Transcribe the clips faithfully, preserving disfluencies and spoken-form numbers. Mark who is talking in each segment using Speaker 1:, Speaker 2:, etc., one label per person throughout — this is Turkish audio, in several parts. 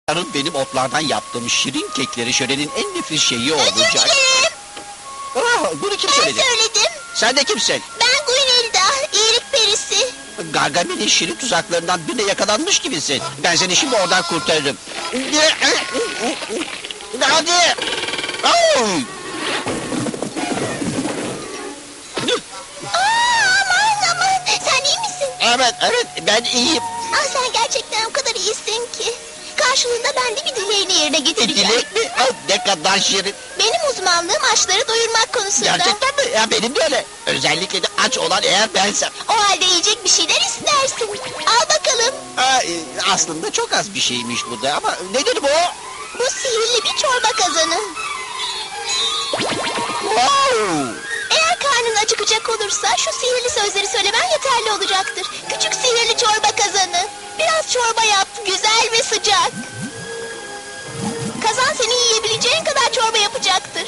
Speaker 1: Yarın benim otlardan yaptığım şirin kekleri şölenin en nefis şeyi
Speaker 2: Özür
Speaker 1: olacak.
Speaker 2: dilerim.
Speaker 1: Ah, bunu kim
Speaker 2: Ben
Speaker 1: söyledi?
Speaker 2: söyledim.
Speaker 1: Sen de kimsin?
Speaker 2: Ben Guinelda, iyilik perisi.
Speaker 1: Gargamel'in şirin tuzaklarından birine yakalanmış gibisin. Ben seni şimdi oradan kurtarırım. Hadi. Ay!
Speaker 2: Aa, aman aman. Sen iyi misin?
Speaker 1: Evet, evet, ben iyiyim.
Speaker 2: Ah, sen gerçekten o kadar iyisin ki. Karşılığında ben de bir dileğini yerine getireceğim.
Speaker 1: Dilek mi? Ah, ne kadar şirin.
Speaker 2: Benim uzmanlığım açları doyurmak konusunda.
Speaker 1: Gerçekten mi? Ya benim de öyle. Özellikle de aç olan eğer bensem.
Speaker 2: O halde yiyecek bir şeyler istersin. Al bakalım.
Speaker 1: Aa, e, aslında çok az bir şeymiş bu da ama nedir bu?
Speaker 2: Bu sihirli bir çorba kazanı.
Speaker 1: Wow!
Speaker 2: Eğer karnın acıkacak olursa şu sihirli sözleri söylemen yeterli olacaktır. Küçük sihirli çorba kazanı. Biraz çorba yap, güzel ve sıcak. Kazan senin yiyebileceğin kadar çorba yapacaktır.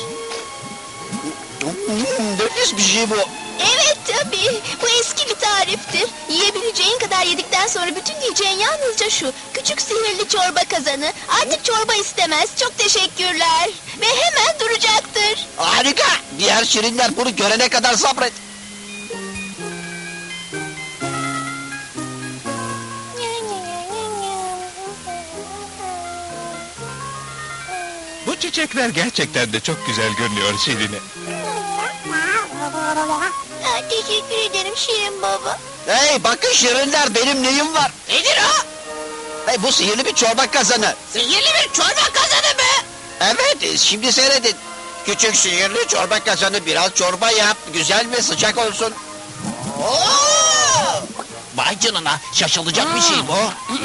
Speaker 1: Hmm, nefis bir şey bu.
Speaker 2: Evet tabii. Bu eski bir tariftir. Yiyebileceğin kadar yedikten sonra bütün yiyeceğin yalnızca şu. Küçük sihirli çorba kazanı. Artık çorba istemez. Çok teşekkürler. Ve hemen duracaktır.
Speaker 1: Harika. Diğer şirinler bunu görene kadar sabret.
Speaker 3: Bu çiçekler gerçekten de çok güzel görünüyor Şirine.
Speaker 2: Ha, teşekkür ederim Şirin baba.
Speaker 1: Hey bakın şirinler benim neyim var?
Speaker 2: Nedir o?
Speaker 1: Hey, bu sihirli bir çorba kazanı.
Speaker 2: Sihirli bir çorba kazanı mı?
Speaker 1: Evet e, şimdi seyredin. Küçük sihirli çorba kazanı biraz çorba yap. Güzel ve sıcak olsun.
Speaker 4: Vay canına, şaşılacak bir şey bu.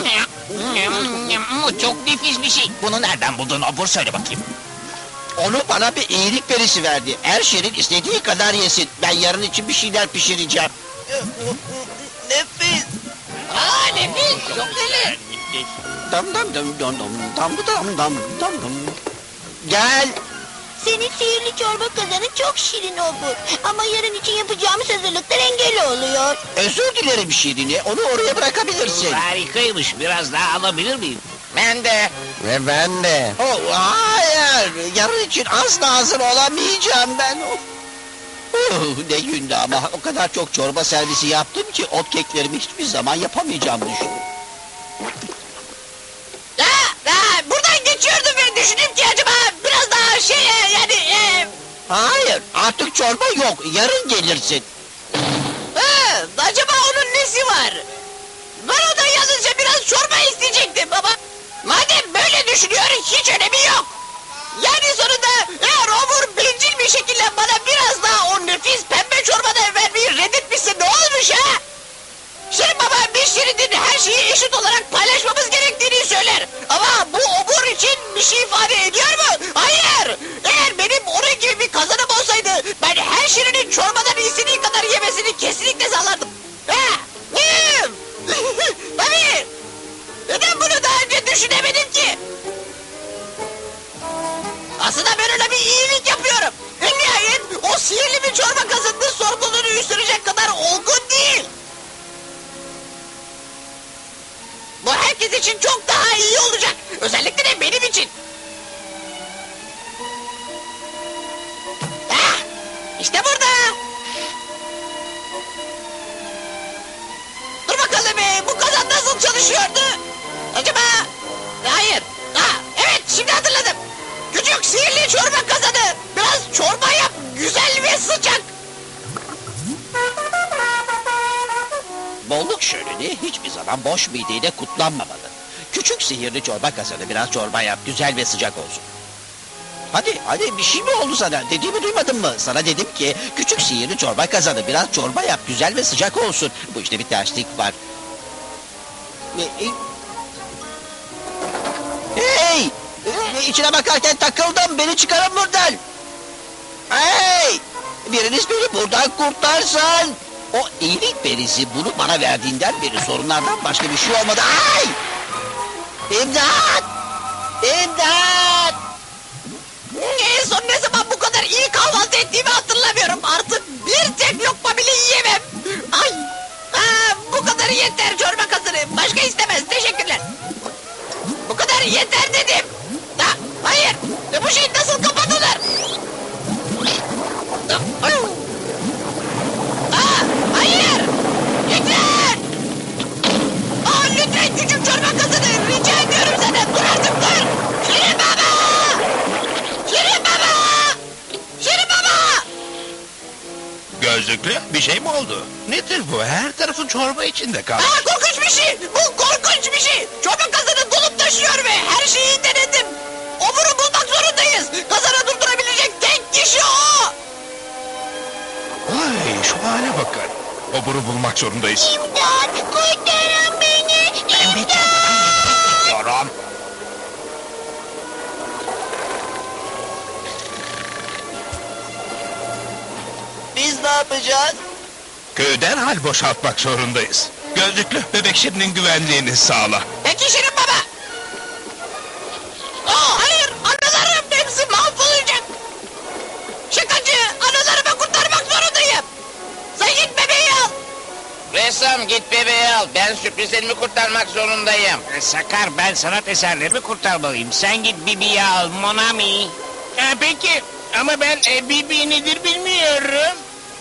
Speaker 4: Bu çok nefis bir şey. Bunu nereden buldun Obur, söyle bakayım.
Speaker 1: Onu bana bir iyilik perisi verdi. Her şirin istediği kadar yesin. Ben yarın için bir şeyler pişireceğim. Nefis.
Speaker 4: Aa, nefis, çok deli.
Speaker 1: Dam dam dam dam dam dam dam dam dam dam. Gel.
Speaker 2: Senin sihirli çorba kazanı çok şirin olur. Ama yarın için yapacağımız hazırlıklar engel oluyor.
Speaker 1: Özür dilerim Şirin'i. Onu oraya bırakabilirsin.
Speaker 4: Harikaymış, biraz daha alabilir miyim? Ben de.
Speaker 1: Ve ben de. Oh, hayır. Yarın için asla hazır olamayacağım ben. Oh. Oh, ne gündü ama o kadar çok çorba servisi yaptım ki ot keklerimi hiçbir zaman yapamayacağım düşündüm.
Speaker 4: Aa, aa, buradan geçiyordum ve düşündüm ki acaba biraz daha şey yani... E,
Speaker 1: Hayır artık çorba yok. Yarın gelirsin.
Speaker 4: ha, acaba onun nesi var? Ben o da yalnızca biraz çorba isteyecektim ama... Madem böyle düşünüyor, hiç önemi yok. Yani sonunda eğer Obur bencil bir şekilde bana biraz daha o nefis pembe çorbadan vermeyi reddetmişse ne olmuş ha? Şirin baba bir şirinin her şeyi eşit olarak paylaşmamız gerektiğini söyler. Ama bu Obur için bir şey ifade ediyor mu? Hayır! Eğer benim onun gibi bir kazanım olsaydı ben her şirinin çorbadan istediği kadar yemesini kesinlikle sağlardım. Ha? Hmm. Tabii! Neden bunu daha önce düşünemedim ki? Aslında ben öyle bir iyilik yapıyorum. En nihayet o sihirli bir çorba kazanının sorumluluğunu üstlenecek kadar olgun değil. Bu herkes için çok daha iyi olacak. Özellikle de benim için. Ah, işte burada. Dur bakalım be, bu kazan nasıl çalışıyordu? Acaba... Hayır. Ha, evet, şimdi hatırladım. Küçük sihirli çorba kazanı. Biraz çorba yap, güzel ve sıcak.
Speaker 1: Bolluk şöleni hiçbir zaman boş mideyle kutlanmamalı. Küçük sihirli çorba kazanı biraz çorba yap. Güzel ve sıcak olsun. Hadi hadi bir şey mi oldu sana? Dediğimi duymadın mı? Sana dedim ki küçük sihirli çorba kazanı biraz çorba yap. Güzel ve sıcak olsun. Bu işte bir terslik var. E, e, Hey! E, İçine bakarken takıldım. Beni çıkarın buradan. Hey! Biriniz beni buradan kurtarsın. O iyilik perisi bunu bana verdiğinden beri sorunlardan başka bir şey olmadı. Ay! İmdat! İmdat!
Speaker 4: En son ne zaman bu kadar iyi kahvaltı ettiğimi hatırlamıyorum. Artık bir tek lokma bile yiyemem. Ay! Aa, bu kadar yeter çorba kazanı. Başka istemez. Teşekkürler. Bu kadar yeter dedim. Ha, hayır, E, bu şey nasıl kapatılır? Aa, hayır, lütfen. Aa, lütfen küçük çorba kazanı, rica ediyorum sana. Dur artık dur. Şirin baba. Şirin baba. Şirin baba.
Speaker 3: Gözlüklü bir şey mi oldu? Nedir bu? Her tarafın çorba içinde kaldı.
Speaker 4: Aa, korkunç bir şey. Bu korkunç bir şey. Çorba kazanı dolup taşıyor ve her şeyi denedim. Oburu bulmak zorundayız. Kazanı durdurabilecek tek kişi o.
Speaker 3: Vay şu hale bakın. Oburu bulmak zorundayız.
Speaker 2: İmdat! Kurtarın beni! İmdat!
Speaker 1: Diyorum. Biz ne yapacağız?
Speaker 3: Köyü derhal boşaltmak zorundayız. Gözlüklü bebek Şirin'in güvenliğini sağla.
Speaker 4: Peki Şirin baba. Aa, hayır, anılarım hepsi mahvolacak. Şakacı, anılarımı kurtarmak zorundayım. Sen git bebeği al.
Speaker 5: Ressam git bebeği al. Ben sürprizlerimi kurtarmak zorundayım.
Speaker 6: E, Sakar ben sanat eserlerimi kurtarmalıyım. Sen git Bibi'yi al Monami. E, peki ama ben e, Bibi nedir bilmiyorum.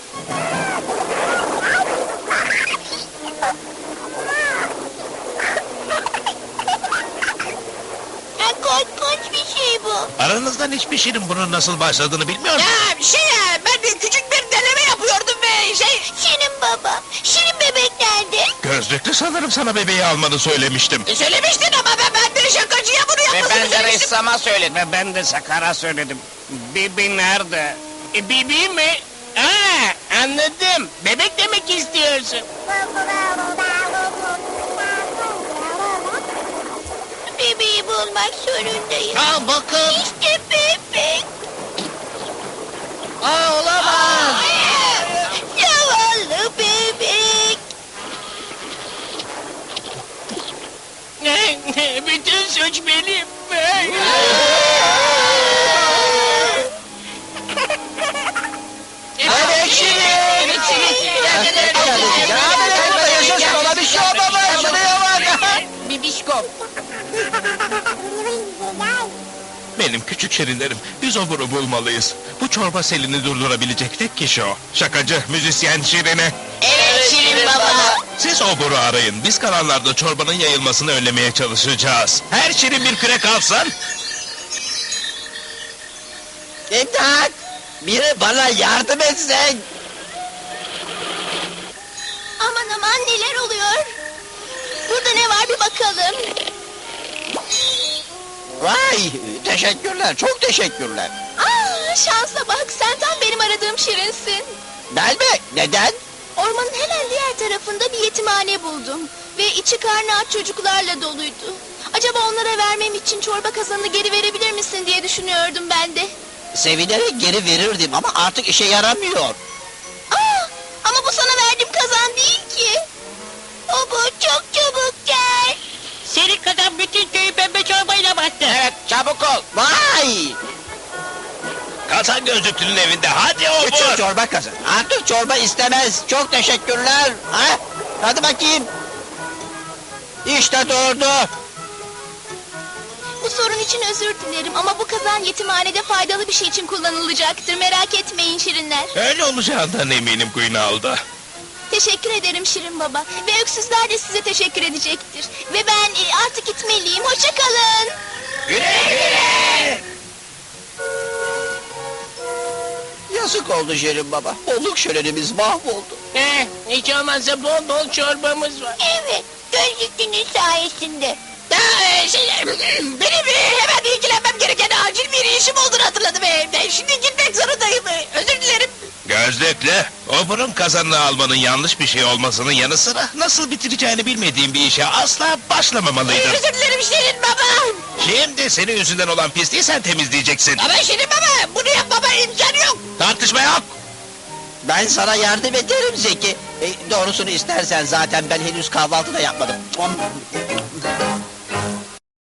Speaker 2: Ha, korkunç bir şey bu.
Speaker 3: Aranızdan hiçbir Şirin bunun nasıl başladığını bilmiyor mu?
Speaker 4: Ya şey ya, ben de küçük bir deneme yapıyordum ve şey...
Speaker 2: Şirin baba, Şirin bebek nerede?
Speaker 3: Gözlüklü sanırım sana bebeği almanı söylemiştim.
Speaker 4: E, söylemiştin ama ben, ben de şakacıya bunu
Speaker 5: Ve
Speaker 4: yapmasını
Speaker 5: ben de
Speaker 4: söylemiştim.
Speaker 5: ressama söyledim.
Speaker 6: Ve ben de Sakar'a söyledim. Bibi nerede? E, Bibi mi? Aa, anladım. Bebek demek istiyorsun.
Speaker 2: Bebeği bulmak zorundayım.
Speaker 1: Aa, bakın.
Speaker 2: İşte bebek.
Speaker 1: Aa, olamaz.
Speaker 2: Zavallı bebek.
Speaker 6: Bütün suç benim.
Speaker 1: Bebek Şirin.
Speaker 4: Bebek Şirin.
Speaker 1: Ya bebek burada yaşasın, ona bir şey olmamış. Şuraya bak.
Speaker 4: Bibişko.
Speaker 3: Benim küçük Şirinlerim, biz oburu bulmalıyız. Bu çorba selini durdurabilecek tek kişi o. Şakacı, müzisyen Şirin'e.
Speaker 4: Evet Şirin baba.
Speaker 3: Siz oburu arayın, biz kalanlarda çorbanın yayılmasını önlemeye çalışacağız. Her Şirin bir kürek alsın.
Speaker 1: İmdat! Biri bana yardım etsin.
Speaker 2: Aman aman neler oluyor? Burada ne var bir bakalım.
Speaker 1: Vay, teşekkürler, çok teşekkürler.
Speaker 2: Aa, şansa bak, sen tam benim aradığım Şirinsin.
Speaker 1: Ben mi? Neden?
Speaker 2: Ormanın hemen diğer tarafında bir yetimhane buldum. Ve içi karnı aç çocuklarla doluydu. Acaba onlara vermem için çorba kazanını geri verebilir misin diye düşünüyordum ben de.
Speaker 1: Sevinerek geri verirdim ama artık işe yaramıyor.
Speaker 2: Aa, ama bu sana verdiğim kazan değil ki. O bu çok çabuk gel.
Speaker 6: Senin kadar bütün köyü pembe çorbayla battı.
Speaker 5: Evet çabuk ol.
Speaker 1: Vay!
Speaker 3: Kazan gözlüklünün evinde, hadi
Speaker 1: Küçük
Speaker 3: obur.
Speaker 1: çorba kazan. Artık çorba istemez. Çok teşekkürler. Ha? Hadi bakayım. İşte durdu.
Speaker 2: Bu sorun için özür dilerim ama bu kazan yetimhanede faydalı bir şey için kullanılacaktır. Merak etmeyin Şirinler.
Speaker 3: Öyle olacağından eminim Queenalda.
Speaker 2: Teşekkür ederim Şirin Baba. Ve öksüzler de size teşekkür edecektir. Ve ben e, artık gitmeliyim. Hoşça kalın.
Speaker 3: Güle güle.
Speaker 1: Yazık oldu Şirin Baba. Bolluk şölenimiz mahvoldu.
Speaker 6: Eh, hiç olmazsa bol bol çorbamız var.
Speaker 2: Evet, gözlüklünün sayesinde.
Speaker 4: Ya, e, şey, benim e, hemen ilgilenmem gereken acil bir işim olduğunu hatırladım evde. Şimdi gitmek zorundayım. E, Özür dilerim.
Speaker 3: Gözlüklü, oburun kazanını almanın yanlış bir şey olmasının yanı sıra nasıl bitireceğini bilmediğin bir işe asla
Speaker 4: E,
Speaker 3: başlamamalıydın.
Speaker 4: özür dilerim Şirin baba.
Speaker 3: Şimdi senin yüzünden olan pisliği sen temizleyeceksin.
Speaker 4: Ama Şirin baba bunu yapmama imkan yok.
Speaker 3: Tartışma yok.
Speaker 1: Ben sana yardım ederim Zeki. E, doğrusunu istersen zaten ben henüz kahvaltı da yapmadım.